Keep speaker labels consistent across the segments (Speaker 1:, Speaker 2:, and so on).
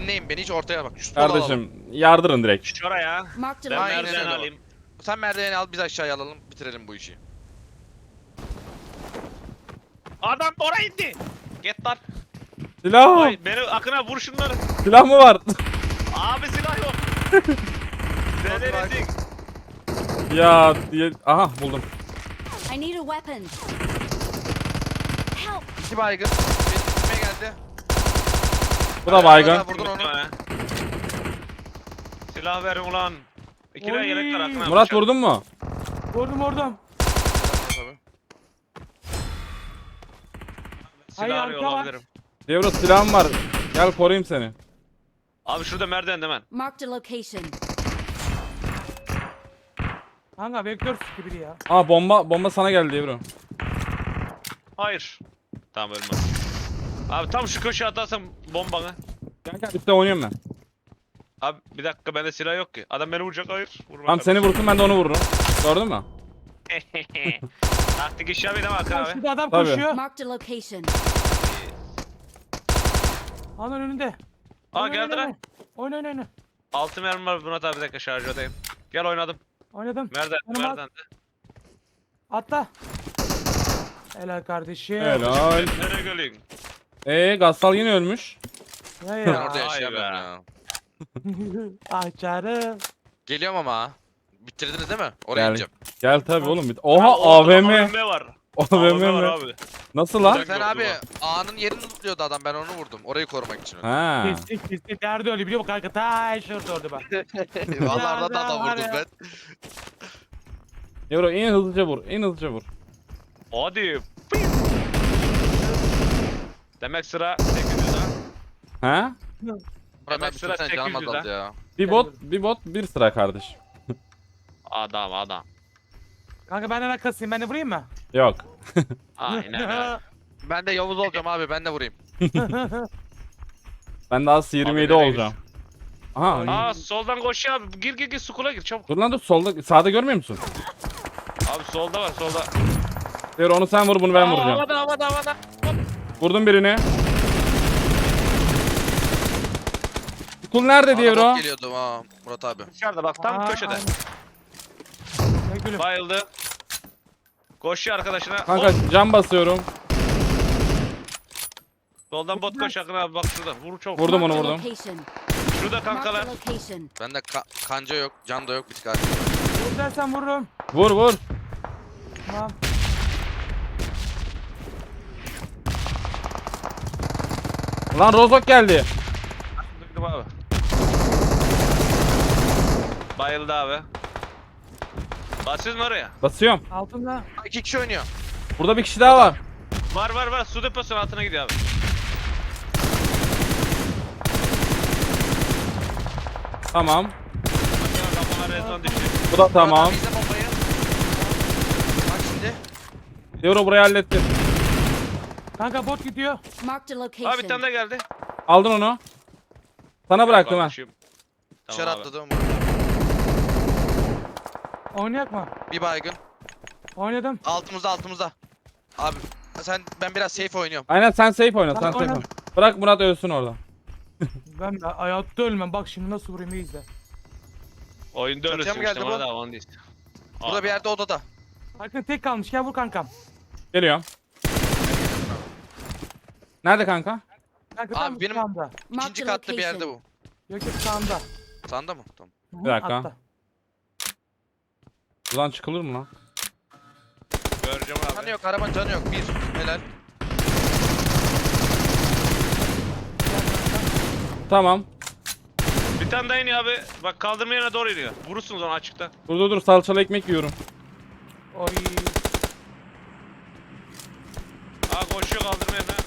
Speaker 1: dinleyin beni, hiç ortaya bak. Şu sola alalım.
Speaker 2: Kardeşim yardırın direkt.
Speaker 3: Şuraya.
Speaker 4: Marked
Speaker 3: Ben
Speaker 4: a
Speaker 1: Aynen
Speaker 3: merdiven
Speaker 1: öyle.
Speaker 3: alayım.
Speaker 1: Sen merdiveni al, biz aşağıya alalım, bitirelim bu işi.
Speaker 3: Adam oraya indi. Get lan.
Speaker 2: Silah.
Speaker 3: Oy beni akına vur şunları.
Speaker 2: Silah mı var?
Speaker 3: Abi silah yok. Delirdik.
Speaker 2: Ya diye. Aha buldum.
Speaker 4: I need a weapon. Help!
Speaker 1: 2 baygın. Benim üstüme geldi.
Speaker 2: Bu da baygın.
Speaker 1: Vurdun onu.
Speaker 3: Silah verin ulan. İki tane
Speaker 5: Oy.
Speaker 3: yelek var akına.
Speaker 2: Murat vurdun mu?
Speaker 5: Vurdum.
Speaker 1: Tabii.
Speaker 3: Silah
Speaker 5: Hayır,
Speaker 3: arıyor
Speaker 5: arka var.
Speaker 3: olabilirim.
Speaker 2: Devro silahım var. Gel koruyayım seni.
Speaker 3: Abi şurada merdiven hemen.
Speaker 4: Marked a location.
Speaker 5: Kanka vektör sıkı biri ya.
Speaker 2: Aa bomba sana geldi Devro.
Speaker 3: Hayır. Tamam ölmem. Abi tam şu köşeye atarsam bombanı.
Speaker 2: Gel üstte oynuyorum ben.
Speaker 3: Abi bir dakika bende silah yok ki. Adam beni vuracak hayır. Vurma
Speaker 2: Tamam seni vursun ben de onu vururum. Gördün mü?
Speaker 3: Taktik iş yapayım ama Hakan
Speaker 5: Bak
Speaker 3: abi.
Speaker 5: şurada adam
Speaker 2: Tabii.
Speaker 5: koşuyor.
Speaker 4: Marked a location.
Speaker 5: Alın önünde.
Speaker 3: Aa geldi lan.
Speaker 5: Oyna.
Speaker 3: 6 mermi var Murat abi, bir dakika şarjödeyim. Gel oynadım.
Speaker 5: Oynadım.
Speaker 3: Merdiven,
Speaker 5: Yanıma
Speaker 3: merdiven.
Speaker 5: Atla. Helal kardeşim.
Speaker 2: Helal.
Speaker 3: Nereye geliyorsun?
Speaker 2: Gassal yine ölmüş.
Speaker 5: Ya
Speaker 1: Ben
Speaker 5: ya.
Speaker 1: orada
Speaker 3: Vay
Speaker 1: yaşayamıyorum
Speaker 3: be.
Speaker 1: ya.
Speaker 5: Açarım.
Speaker 1: Geliyorum ama. Bitirdiniz değil mi? Oraya
Speaker 2: Gel.
Speaker 1: gideceğim.
Speaker 2: Gel tabi oğlum.
Speaker 3: Abi,
Speaker 2: Oha
Speaker 3: orada
Speaker 2: AVM.
Speaker 3: AVM var.
Speaker 2: AVM
Speaker 3: AVM var
Speaker 2: mi?
Speaker 3: abi.
Speaker 2: Nasıl lan?
Speaker 3: Direkt
Speaker 1: Sen
Speaker 3: yoktu
Speaker 1: abi A'nın yerini tutuyordu adam, ben onu vurdum. Orayı korumak için.
Speaker 2: Ha.
Speaker 5: Kesin. Nerede öyle biliyor musun kanka? Ta şurada orada bak.
Speaker 1: Vallahi orada da
Speaker 5: Ya,
Speaker 1: adam
Speaker 5: var
Speaker 1: vurdum
Speaker 5: ya.
Speaker 1: ben.
Speaker 2: Devro en hızlıca vur. En hızlıca vur.
Speaker 3: Hadi. Demek sıra 800 ha.
Speaker 2: Ha?
Speaker 1: Murat
Speaker 3: Demek
Speaker 1: abi
Speaker 3: sıra
Speaker 1: tutsana, canım
Speaker 3: 800
Speaker 1: azaldı ya.
Speaker 2: Bir bot bir sıra kardeş.
Speaker 3: Adam.
Speaker 5: Kanka benden kasayım, ben de vurayım mı?
Speaker 2: Yok.
Speaker 3: Aynen öyle.
Speaker 1: Ben de Yavuz olacağım abi, ben de vurayım.
Speaker 2: Ben daha 27
Speaker 3: nereye
Speaker 2: olacağım. Aha.
Speaker 3: Aa soldan koşuyor abi. Gir sukula gir çabuk.
Speaker 2: Dur lan dur solda sağda görmüyor musun?
Speaker 3: Abi solda var solda.
Speaker 2: Devro onu sen vur bunu ben vuracağım.
Speaker 3: Havada.
Speaker 2: Vurdum birini. Kul nerede
Speaker 1: Bana
Speaker 2: Devro?
Speaker 1: bot geliyordu ha Murat abi.
Speaker 3: Dışarıda bak tam
Speaker 5: Aa,
Speaker 3: köşede.
Speaker 5: aynen. Ne gülüm.
Speaker 3: Bayıldı. Koşuyor arkadaşına.
Speaker 2: Kanka
Speaker 3: Hop,
Speaker 2: cam basıyorum.
Speaker 3: soldan bot koş Akın abi bak şurada. Vur çok.
Speaker 2: Vurdum onu
Speaker 4: Marked a
Speaker 2: vurdum.
Speaker 4: location.
Speaker 3: Şurada
Speaker 4: Marked
Speaker 3: kankalar.
Speaker 4: a location.
Speaker 1: Bende kanca yok, can da yok, bir tık abi.
Speaker 5: Vur dersen vururum.
Speaker 2: Vur.
Speaker 5: Tamam.
Speaker 2: Lan Rozok geldi.
Speaker 3: Duydum abi. Bayıldı abi. Basıyorsun oraya.
Speaker 2: Basıyorum.
Speaker 5: Altında.
Speaker 1: 2 kişi oynuyor.
Speaker 2: Burada bir kişi daha var.
Speaker 3: Var. Su deposunun altına gidiyor abi.
Speaker 2: Tamam.
Speaker 3: Bakın kafana rezon düştü.
Speaker 2: Bu da tamam.
Speaker 1: Murat abi izle bombayı. Bak şimdi.
Speaker 2: Devro burayı hallettim.
Speaker 5: Kanka bot gidiyor.
Speaker 4: Marked a
Speaker 3: Abi bir tane
Speaker 4: location.
Speaker 3: de geldi.
Speaker 2: Aldın onu. Sana bıraktım ha.
Speaker 3: Tamam
Speaker 1: Dışarı
Speaker 3: abi.
Speaker 1: atladı.
Speaker 5: Oynayak mı?
Speaker 1: Bir baygın.
Speaker 5: Oynadım.
Speaker 1: Altımızda. Abi ben biraz safe oynuyorum.
Speaker 2: Aynen sen safe oyna. Sen
Speaker 5: Tamam,
Speaker 2: safe
Speaker 5: oyna.
Speaker 2: oyna. Bırak Murat ölsün orada.
Speaker 5: Ben hayatta ölmem. Bak şimdi nasıl vurayım, iyi izle.
Speaker 3: Oyunda
Speaker 1: Çatıya
Speaker 3: ölürsün
Speaker 1: mı geldi
Speaker 3: işte
Speaker 1: bu?
Speaker 3: bana da aman değil.
Speaker 1: Burada bir yerde odada.
Speaker 5: Hakkın tek kalmış. Gel vur kankam.
Speaker 2: Geliyorum. Nerede kanka?
Speaker 5: Kanka
Speaker 1: Abi
Speaker 5: tam
Speaker 1: benim-
Speaker 5: sağında.
Speaker 1: İkinci
Speaker 4: Marked a
Speaker 1: katta bir yerde
Speaker 4: location.
Speaker 1: bu.
Speaker 5: Yok sağında.
Speaker 1: Sanda mı? Tamam.
Speaker 5: Hı,
Speaker 2: Bir dakika.
Speaker 5: atla.
Speaker 2: Buradan çıkılır mı lan?
Speaker 3: Göreceğim
Speaker 1: Canı
Speaker 3: abi.
Speaker 1: yok, arabanın canı yok. Bir. Helal.
Speaker 2: Tamam.
Speaker 3: Bir tane daha iniyor abi. Bak kaldırma yerine doğru iniyor. Vurursunuz onu açıkta.
Speaker 2: Dur salçalı ekmek yiyorum.
Speaker 5: Oy.
Speaker 3: Aa koşuyor kaldırma yerine.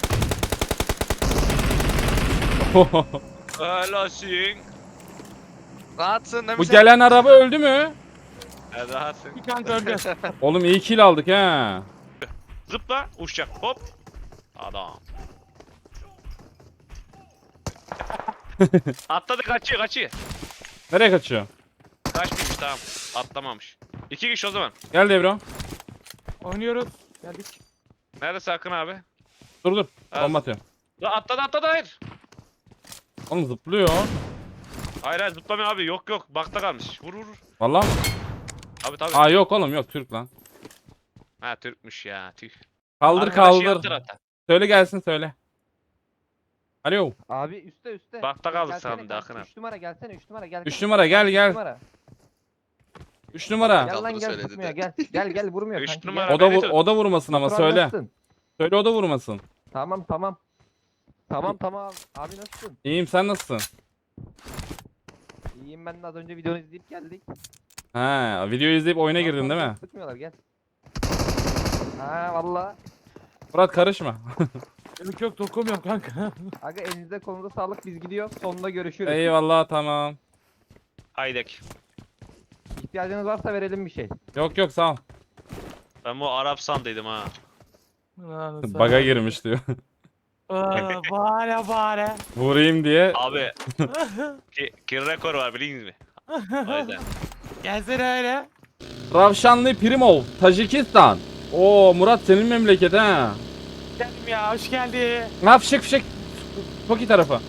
Speaker 3: Helalsin.
Speaker 1: Rahatsın değil mi
Speaker 2: Bu
Speaker 1: sen?
Speaker 2: gelen araba öldü mü?
Speaker 3: Rahatsın.
Speaker 5: Bir kanka öldü.
Speaker 2: Oğlum iyi kill aldık ha.
Speaker 3: Zıpla uçacak hop. Adam. Atladı kaçıyor.
Speaker 2: Nereye kaçıyor?
Speaker 3: Kaçmış tamam. Atlamamış. 2 kişi o zaman.
Speaker 2: Gel Devro.
Speaker 5: Oynuyoruz. Geldik.
Speaker 3: Nerede Sakın abi?
Speaker 2: Dur.
Speaker 3: Evet.
Speaker 2: Bomba atıyorum.
Speaker 3: La atladı hayır.
Speaker 2: Oğlum zıplıyor.
Speaker 3: Hayır hayır zıplamıyor abi. Yok yok. Bakta kalmış. Vur vur. Vur.
Speaker 2: Vallahi mı?
Speaker 3: Abi tabii.
Speaker 2: Aa yok oğlum yok Türk lan.
Speaker 3: Ha Türkmüş ya. Tüh.
Speaker 2: Kaldır
Speaker 3: Arkadaşı yaptır
Speaker 2: kaldır.
Speaker 3: hatta.
Speaker 2: Söyle gelsin söyle. Alo.
Speaker 6: Abi üstte.
Speaker 3: Bakta kaldı
Speaker 6: Gelsene
Speaker 3: sandım da
Speaker 6: kanka,
Speaker 3: Akın abi.
Speaker 6: 3 numara gelsene 3 numara gel.
Speaker 2: 3 numara gel gel.
Speaker 6: 3 numara.
Speaker 2: 3 numara.
Speaker 6: Gel lan
Speaker 1: Kaldırı
Speaker 6: gel
Speaker 1: söyledi
Speaker 6: tutmuyor
Speaker 1: de.
Speaker 6: gel vurmuyor
Speaker 3: Üç
Speaker 6: kanki.
Speaker 3: numara.
Speaker 6: Gel.
Speaker 2: O da
Speaker 3: beni tut.
Speaker 2: o da vurmasın ama
Speaker 6: Otur,
Speaker 2: söyle.
Speaker 6: nasılsın?
Speaker 2: Söyle o da vurmasın.
Speaker 6: Tamam. Tamam. Abi nasılsın?
Speaker 2: İyiyim sen nasılsın?
Speaker 6: İyiyim ben de az önce videonu izleyip geldik.
Speaker 2: Ha, videoyu izleyip oyuna girdin değil mi?
Speaker 6: Sıkmıyorlar gel. Ha valla.
Speaker 2: Murat karışma.
Speaker 5: Yok dokunmuyorum kanka.
Speaker 6: Aga elinize konuda sağlık biz gidiyoruz. Sonunda görüşürüz.
Speaker 2: Eyvallah tamam.
Speaker 3: Haydek.
Speaker 6: İhtiyacınız varsa verelim bir şey.
Speaker 2: Yok sağ ol.
Speaker 3: Ben bu Arap sandıydım ha.
Speaker 2: Baga girmiş diyor.
Speaker 5: Bari.
Speaker 2: Vurayım diye.
Speaker 3: Abi. Ki rekor var biliyor musun? O yüzden.
Speaker 5: Gelsene öyle.
Speaker 2: Ravşanlı Primov, Tacikistan. Oo Murat senin memleket ha.
Speaker 5: Geldim ya hoş geldin.
Speaker 2: Fişek fişek. Toki tarafı.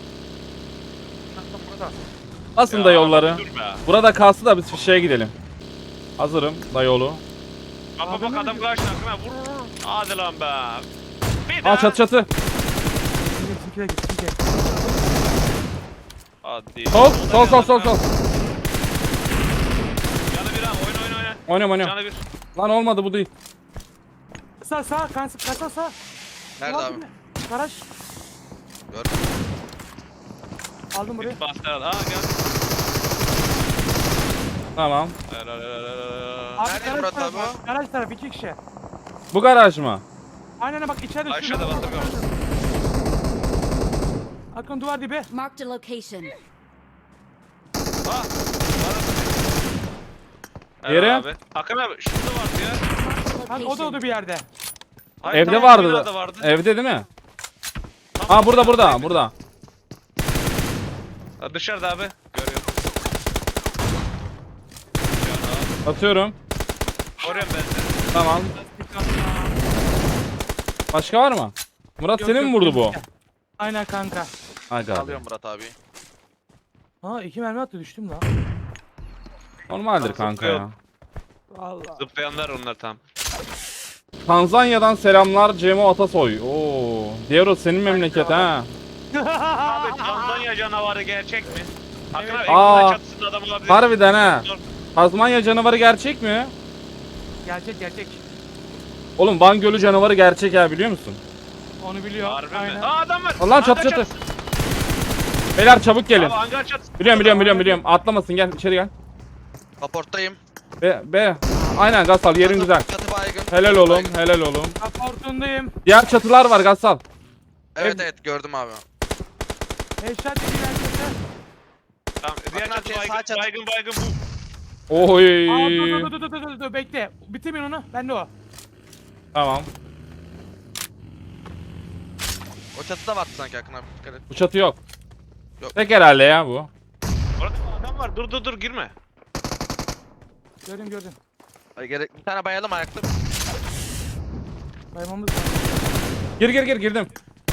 Speaker 2: Basın da yolları.
Speaker 3: Dur be.
Speaker 2: Burada kalsın da biz fişeğe gidelim. Hazırım da yolu.
Speaker 3: Bak bak adam karşına Akın abi. Vur vur. Hadi lan be. Bir daha.
Speaker 2: Aa çatı çatı.
Speaker 5: Git.
Speaker 3: Hadi.
Speaker 2: Sol.
Speaker 3: Canı bir ha. Oyna.
Speaker 2: Oynuyorum.
Speaker 3: Canı bir.
Speaker 2: Lan olmadı bu değil.
Speaker 5: Sağ kasa sağ.
Speaker 1: Nerede abi?
Speaker 5: Garaj.
Speaker 1: Gördüm.
Speaker 5: Aldım burayı.
Speaker 3: Bir bastı herhalde. Aa geldi.
Speaker 2: Tamam.
Speaker 1: Nerede Murat abi o?
Speaker 5: Garaj tarafı 2 kişi.
Speaker 2: Bu garaj mı?
Speaker 5: Aynen bak içeride.
Speaker 3: Aşağıda
Speaker 5: şurada.
Speaker 3: bastırıyorum.
Speaker 5: Akın duvar dibi.
Speaker 4: Marked a location.
Speaker 3: Ha.
Speaker 2: Yere.
Speaker 3: Abi. Akın abi şurada vardı ya.
Speaker 5: Kanka o da
Speaker 4: Location.
Speaker 5: bir yerde.
Speaker 3: Hayır,
Speaker 2: Evde
Speaker 3: tamam,
Speaker 2: vardı.
Speaker 3: binada vardı.
Speaker 2: Evde değil mi?
Speaker 3: Tamam,
Speaker 2: Aa burada.
Speaker 3: Ha, dışarıda abi. Görüyorum.
Speaker 2: Atıyorum.
Speaker 3: Koruyorum ben seni.
Speaker 2: Tamam. Başka var mı? Murat senin mi vurdu bu?
Speaker 5: Aynen kanka.
Speaker 2: Aga.
Speaker 1: Alıyorum Murat abi.
Speaker 5: Ha 2 mermi attı düştüm lan.
Speaker 2: Normaldir kanka ya.
Speaker 5: Allah.
Speaker 3: Zıplayanlar onlar tam.
Speaker 2: Tanzanya'dan selamlar Cemo Atasoy. Oo. Diğer senin memleket ha.
Speaker 3: Abi Tanzanya canavarı gerçek mi? Akın abi
Speaker 2: Aa,
Speaker 3: ekranın çatısında adam olabilir.
Speaker 2: Harbiden ha. Tazmanya canavarı gerçek mi?
Speaker 5: Gerçek.
Speaker 2: Oğlum Van Gölü canavarı gerçek ya biliyor musun?
Speaker 5: Onu biliyor.
Speaker 3: Harbi
Speaker 5: Aynen.
Speaker 3: mi? Aa adam var.
Speaker 2: Allah çatı
Speaker 3: Hangar
Speaker 2: çatı. Beyler çabuk gelin.
Speaker 3: Abi hangar çatısı.
Speaker 2: Biliyorum. Atlamasın gel içeri gel.
Speaker 1: Kaporttayım.
Speaker 2: Be. Aynen Gassal yerin
Speaker 1: Çatı-
Speaker 2: güzel.
Speaker 1: Çatı baygın.
Speaker 2: Helal
Speaker 1: Çatı
Speaker 2: oğlum,
Speaker 1: baygın.
Speaker 2: helal oğlum.
Speaker 5: Raportundayım.
Speaker 2: Diğer çatılar var Gassal.
Speaker 1: Evet gördüm abi.
Speaker 5: Headshot yedi gerçekten.
Speaker 3: Tamam diğer
Speaker 1: Akın abi,
Speaker 3: çatı
Speaker 1: sağ
Speaker 3: baygın,
Speaker 1: çatı.
Speaker 3: baygın bu.
Speaker 2: Oy.
Speaker 5: Aa dur bekle. Bitirmeyin onu. Ben de o.
Speaker 2: Tamam.
Speaker 1: O çatıda vardı sanki Akın abi. Dikkat et.
Speaker 2: Bu çatı yok.
Speaker 1: Yok.
Speaker 2: Tek herhalde ya bu.
Speaker 3: Orada adam var. Dur girme.
Speaker 5: Gördüm.
Speaker 1: Ay, gerek bir tane bayalım ayakta.
Speaker 5: Baymamız lazım.
Speaker 2: Gir girdim.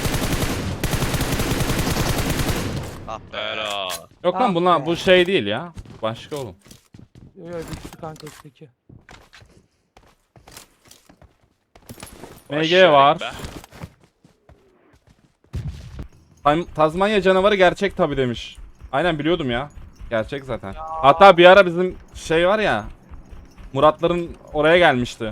Speaker 1: Ah be.
Speaker 3: Helal.
Speaker 2: Yok lan
Speaker 5: Tamam
Speaker 2: bunlar
Speaker 5: be.
Speaker 2: bu şey değil ya. Başka oğlum.
Speaker 5: Yok düştü kanka üstteki.
Speaker 2: MG
Speaker 3: Aşağı
Speaker 2: var.
Speaker 3: in be.
Speaker 2: Tazmanya canavarı gerçek tabi demiş. Aynen biliyordum ya. Gerçek zaten. Hatta bir ara bizim şey var ya. Muratların oraya gelmişti.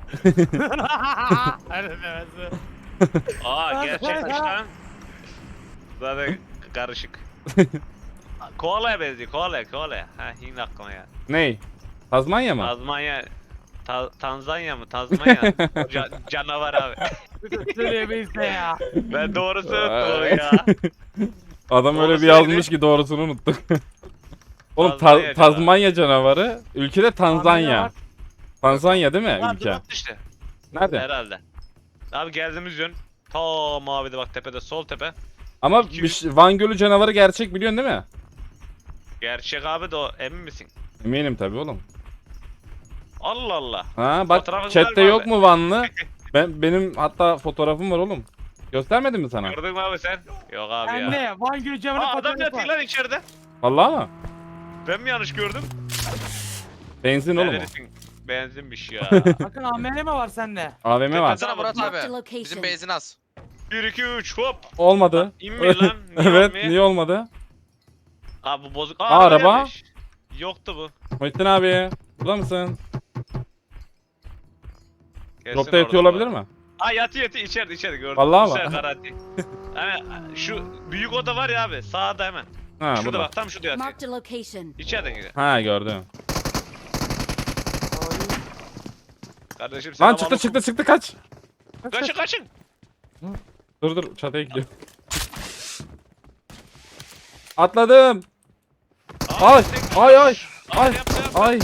Speaker 3: Aa gerçekmiş lan. Zaten karışık. Koala'ya benziyor. Koala'ya. Ha yine aklıma ya.
Speaker 2: Ney? Tazmanya mı?
Speaker 3: Tazmanya. Tanzanya mı? Tazmanya. Canavar abi.
Speaker 5: Söyleyemeyiz de ya.
Speaker 3: Ben doğrusu unuttum ya.
Speaker 2: Adam öyle
Speaker 3: Doğrusu
Speaker 2: bir yazmış ki doğrusunu unuttuk. Oğlum
Speaker 3: Tazmanya
Speaker 2: Tazmanya canavarı. Ülkede Tanzanya.
Speaker 5: var.
Speaker 2: Tanzanya değil mi
Speaker 3: Ha
Speaker 2: ülke?
Speaker 3: dur işte.
Speaker 2: Nerede?
Speaker 3: Herhalde. Abi geldiğimiz yön. Ta mavide bak tepede sol tepe.
Speaker 2: Ama
Speaker 3: 200.
Speaker 2: Van Gölü canavarı gerçek biliyorsun değil mi?
Speaker 3: Gerçek abi de o emin misin?
Speaker 2: Eminim tabii oğlum.
Speaker 3: Allah Allah.
Speaker 2: Ha bak
Speaker 3: Fotoğrafınız
Speaker 2: chatte
Speaker 3: var mı
Speaker 2: yok
Speaker 3: abi?
Speaker 2: mu Vanlı? Benim hatta fotoğrafım var oğlum. Göstermedim mi sana?
Speaker 3: Gördün mü abi sen? Yok abi
Speaker 5: Ben
Speaker 3: ya.
Speaker 5: ne? Van Gölü camına
Speaker 3: Aa adam
Speaker 5: fotoğrafı
Speaker 3: yatıyor
Speaker 5: var.
Speaker 3: lan içeride.
Speaker 2: Vallahi mı?
Speaker 3: Ben mi yanlış gördüm?
Speaker 2: Benzin oğlum o.
Speaker 3: Neredesin? Benzinmiş ya.
Speaker 5: Bakın AMR mi var sende?
Speaker 2: AVM var.
Speaker 1: Baksana Murat
Speaker 4: Marked a
Speaker 1: abi.
Speaker 4: location.
Speaker 1: Bizim benzin az.
Speaker 3: 1 2 3 hop.
Speaker 2: Olmadı.
Speaker 3: İnmiyor lan. Niye
Speaker 2: Evet,
Speaker 3: olmuyor?
Speaker 2: niye olmadı?
Speaker 3: Abi bu bozuk.
Speaker 2: Araba.
Speaker 3: gelmiş. Yoktu bu.
Speaker 2: Muhittin abi, burada mısın?
Speaker 3: Kesin
Speaker 2: Dropta yatıyor
Speaker 3: orada
Speaker 2: olabilir
Speaker 3: bu.
Speaker 2: mi?
Speaker 3: Aa yatıyor içeride gördüm.
Speaker 2: Vallahi
Speaker 3: Bu
Speaker 2: mi?
Speaker 3: sefer garanti. Hani şu büyük oda var ya abi sağda hemen.
Speaker 2: Ha,
Speaker 3: Şurada
Speaker 2: burada.
Speaker 3: bak tam şurada yatıyor.
Speaker 4: Marked a location.
Speaker 3: İçeriden gidiyor.
Speaker 2: Ha, gördüm.
Speaker 3: Kardeşim
Speaker 2: Lan
Speaker 3: selamünaleyküm.
Speaker 2: çıktı kaç.
Speaker 3: Kaçın.
Speaker 2: Dur çatıya gidiyor. Atladım. Ay,
Speaker 3: destek-
Speaker 2: ay, ay,
Speaker 3: Abi,
Speaker 2: ay,
Speaker 3: yap.
Speaker 2: ay.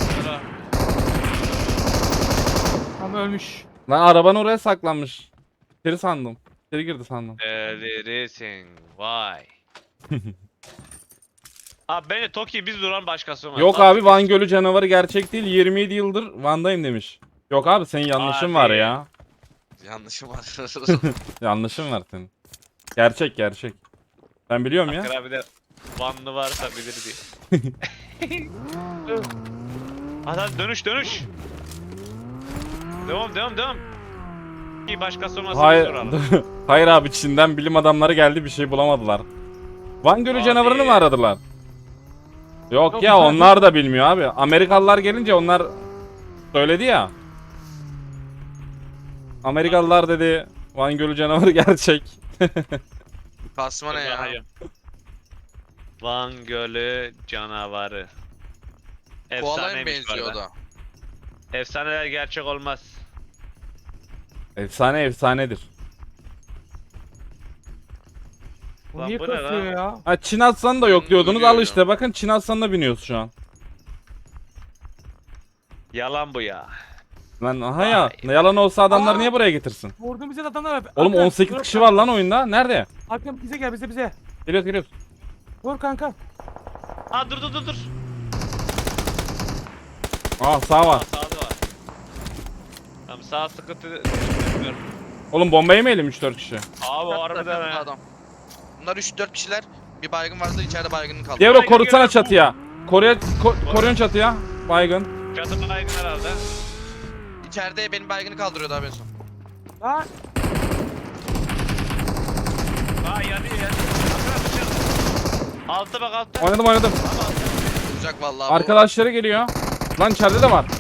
Speaker 5: Tam ölmüş.
Speaker 2: Lan araban oraya saklanmış. İçeri sandım. İçeri girdi sandım.
Speaker 3: Delirisin vay. Abi bence Toki biz duran başkası olmaz.
Speaker 2: Yok abi Van Gölü canavarı gerçek değil. 27 yıldır Van'dayım demiş. Yok abi senin yanlışın var
Speaker 3: Abi.
Speaker 2: ya.
Speaker 1: Yanlışım var.
Speaker 2: Yanlışın var senin. Gerçek. Ben biliyorum ya.
Speaker 3: Akra bir de Vanlı varsa bilir diye. Hadi dönüş. Devam. İyi başkası olmasa biz
Speaker 2: Hayır.
Speaker 3: duralım.
Speaker 2: Hayır abi Çin'den bilim adamları geldi bir şey bulamadılar. Van Gölü
Speaker 3: Abi.
Speaker 2: canavarını mı aradılar? Yok
Speaker 5: Yok,
Speaker 2: ya
Speaker 5: bunlar-
Speaker 2: onlar da bilmiyor abi. Amerikalılar gelince onlar söyledi ya. Amerikalılar dedi Van Gölü canavarı gerçek.
Speaker 1: Kasma ne ya?
Speaker 3: Hayır. Van Gölü canavarı.
Speaker 1: Koala'ya mı
Speaker 3: Efsaneymiş bu
Speaker 1: benziyor o
Speaker 3: arada.
Speaker 1: da?
Speaker 3: Efsaneler gerçek olmaz.
Speaker 2: Efsanedir.
Speaker 5: Bu
Speaker 3: Lan
Speaker 5: niye
Speaker 3: bu ne
Speaker 5: kasıyor
Speaker 3: lan?
Speaker 5: ya?
Speaker 2: Ha Çin aslanı da yok diyordunuz
Speaker 1: Ölüyor
Speaker 2: al
Speaker 1: ya.
Speaker 2: işte bakın Çin aslanına biniyoruz şu an.
Speaker 3: Yalan bu ya.
Speaker 2: Lan aha ya ne yalan olsa adamlar
Speaker 5: Aa!
Speaker 2: niye buraya getirsin?
Speaker 5: Vurdum bize de adamlar.
Speaker 2: Oğlum
Speaker 5: Hakan,
Speaker 2: 18
Speaker 5: dur
Speaker 2: kişi var
Speaker 5: kanka.
Speaker 2: lan oyunda. Nerede?
Speaker 5: Hakan bize gel bize.
Speaker 2: Geliyoruz.
Speaker 5: Vur kanka.
Speaker 3: Aa dur.
Speaker 2: Aa sağ
Speaker 3: Aa
Speaker 2: var.
Speaker 3: sağda var. Tamam sağ sıkıntı bilmiyorum.
Speaker 2: Oğlum bomba yemeyelim 3-4 kişi.
Speaker 3: Abi o
Speaker 1: Çatıda,
Speaker 3: harbiden
Speaker 1: çatıda
Speaker 3: ha.
Speaker 1: adam. Bunlar 3-4 kişiler. Bir baygın varsa içeride baygının kaldı.
Speaker 2: Devro
Speaker 3: Baygın
Speaker 2: korutsana
Speaker 3: geliyor.
Speaker 2: çatıya. Koruyun çatıya. Baygın.
Speaker 3: Çatı baygın herhalde.
Speaker 1: İçeride benim baygını kaldırıyordu abi en son.
Speaker 5: Lan.
Speaker 3: Aa yanıyor. Akra dışarı. Altta bak altta.
Speaker 2: Oynadım.
Speaker 1: Vuracak vallahi bu.
Speaker 2: Arkadaşları geliyor. Lan içeride de var.
Speaker 1: Var.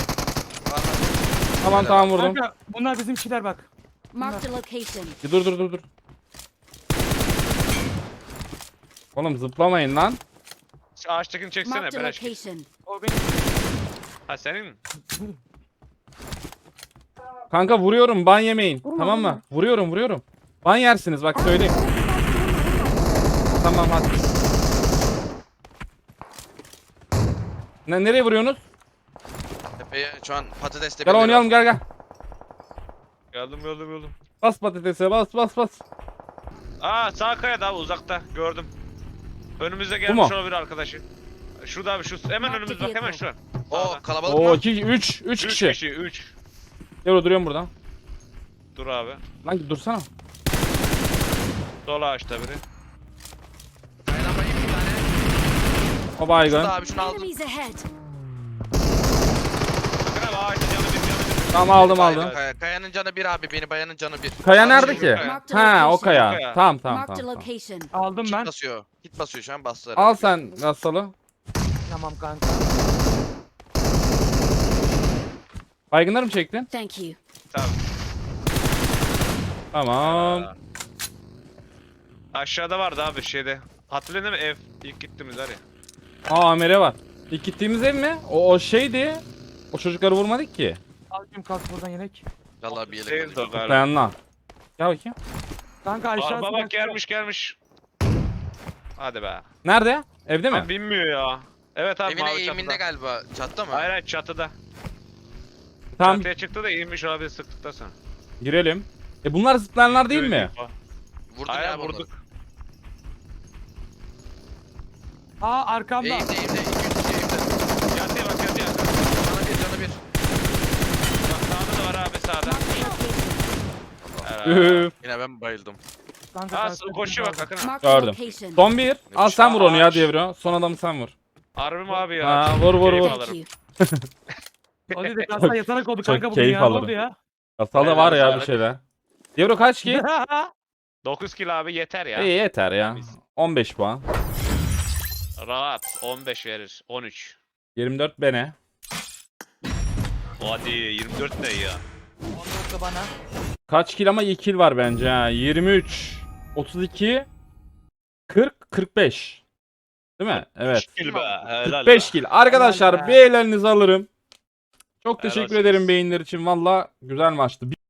Speaker 2: Tamam vurdum.
Speaker 5: Kanka bunlar bizimkiler bak.
Speaker 4: Marked a location.
Speaker 2: Dur. Oğlum zıplamayın lan.
Speaker 3: Şu ağaçtakini çeksene
Speaker 4: Marked a
Speaker 3: beleş.
Speaker 4: location.
Speaker 5: O benim.
Speaker 3: Ha senin mi?
Speaker 2: Kanka vuruyorum ban yemeyin. Tamam mı? Vuruyorum. Ban yersiniz bak söyleyeyim. Tamam hadi. Nereye vuruyorsunuz?
Speaker 1: Tepeye şu an patatesle
Speaker 2: Gel oynayalım gel.
Speaker 3: Geldim.
Speaker 2: Bas patatese bas.
Speaker 3: Aa sağ kayada abi uzakta gördüm. Önümüzde
Speaker 2: mu?
Speaker 3: gelmiş olabilir arkadaşı. Şurada abi şu hemen
Speaker 4: Marked
Speaker 3: önümüz bak hemen şu.
Speaker 1: Oo kalabalık
Speaker 2: Oo
Speaker 1: mı?
Speaker 2: 3
Speaker 3: 3
Speaker 2: kişi.
Speaker 3: kişi 3.
Speaker 2: Gel duruyorum burada.
Speaker 3: Dur abi.
Speaker 2: Lan dursana.
Speaker 3: Sol ağaçta biri.
Speaker 1: Kayadan bayayım bir tane.
Speaker 2: O baygın.
Speaker 1: Şurada abi şunu aldım.
Speaker 4: Enemies ahead.
Speaker 3: Bakın abi ağacın canı bir.
Speaker 2: Tamam aldım.
Speaker 1: Kayanın canı 1 abi, beni bayanın canı 1.
Speaker 2: Kaya nerede
Speaker 3: Şu
Speaker 2: ki?
Speaker 3: kaya.
Speaker 2: Ha o kaya.
Speaker 3: Kaya.
Speaker 2: Tamam.
Speaker 4: Marked a location.
Speaker 5: Aldım ben.
Speaker 1: Hit basıyor. Hit basıyor şu an bastı.
Speaker 2: Al sen Gassal'ı.
Speaker 5: Tamam kanka.
Speaker 2: Baygınları mı çektin?
Speaker 4: Thank you.
Speaker 3: Tamam.
Speaker 2: Tamam.
Speaker 3: Aşağıda vardı abi şeyde. Hatırladın mı ev? İlk gittiğimiz var ya.
Speaker 2: Aa Amer'e var. İlk gittiğimiz ev mi? O şeydi. O çocukları vurmadık ki.
Speaker 5: Aldım kalk buradan yelek.
Speaker 1: Vallahi bir yelek
Speaker 3: Değil
Speaker 1: alayım.
Speaker 3: o galiba.
Speaker 2: Dayanla. Gel bakayım.
Speaker 5: Kanka aşağısı.
Speaker 3: Araba bak gelmiş. Hadi be.
Speaker 2: Nerede? Evde mi?
Speaker 3: Abi binmiyor ya. Evet abi
Speaker 1: Evine
Speaker 3: mavi
Speaker 1: eğiminde
Speaker 3: çatıda.
Speaker 1: galiba. Çatta mı?
Speaker 3: Hayır çatıda.
Speaker 2: Tamam
Speaker 3: Çatıya çıktı da inmiş olabilir sıktıktan sonra.
Speaker 2: girelim. Bunlar zıplayanlar değil mi?
Speaker 1: Vurdun
Speaker 3: Aynen
Speaker 1: ya
Speaker 3: vurduk.
Speaker 5: Aa arkamda.
Speaker 1: Eğimde 2-3 eğimde.
Speaker 3: Yatıya bak yatıya.
Speaker 1: Canı 1 canı 1.
Speaker 3: Bak sağda da var abi sağda.
Speaker 4: Marked a location.
Speaker 2: Üf.
Speaker 1: Yine ben bayıldım.
Speaker 5: Kanka
Speaker 3: Aa
Speaker 5: sen-
Speaker 3: koşuyor bak bakın.
Speaker 4: Marked a
Speaker 2: Gördüm.
Speaker 4: location.
Speaker 2: Son bir. Al sen vur onu ya
Speaker 3: Ağaç.
Speaker 2: Devro. Son adamı sen vur.
Speaker 3: Harbi mi abi ya?
Speaker 2: Ha,
Speaker 3: Çok
Speaker 2: vur, vur,
Speaker 3: keyif
Speaker 2: vur.
Speaker 4: Thank
Speaker 3: alırım.
Speaker 4: you.
Speaker 5: O dedi kasa yatarak oldu
Speaker 2: çok
Speaker 5: kanka bugün
Speaker 2: keyif
Speaker 5: ya. Ne
Speaker 2: alırım.
Speaker 5: oldu ya?
Speaker 2: Kasalı
Speaker 3: Evet,
Speaker 2: var ya
Speaker 3: evet.
Speaker 2: bir şeyler. Devro kaç ki?
Speaker 3: 9 kilo abi yeter ya.
Speaker 2: İyi yeter ya. 15 puan.
Speaker 3: Rahat 15 verir. 13.
Speaker 2: 24 bene.
Speaker 3: Hadi 24 ne ya?
Speaker 5: Onu da bana.
Speaker 2: Kaç kill ama iyi kill var bence ha. 23, 32, 40, 45. Değil mi? Evet.
Speaker 3: Kill be. Helal
Speaker 2: 45
Speaker 3: be.
Speaker 2: kill. Arkadaşlar
Speaker 5: Helal be.
Speaker 2: bir ellerinizi alırım. Çok
Speaker 3: Helal
Speaker 2: teşekkür
Speaker 3: olsun.
Speaker 2: ederim beyinler için. Valla güzel maçtı.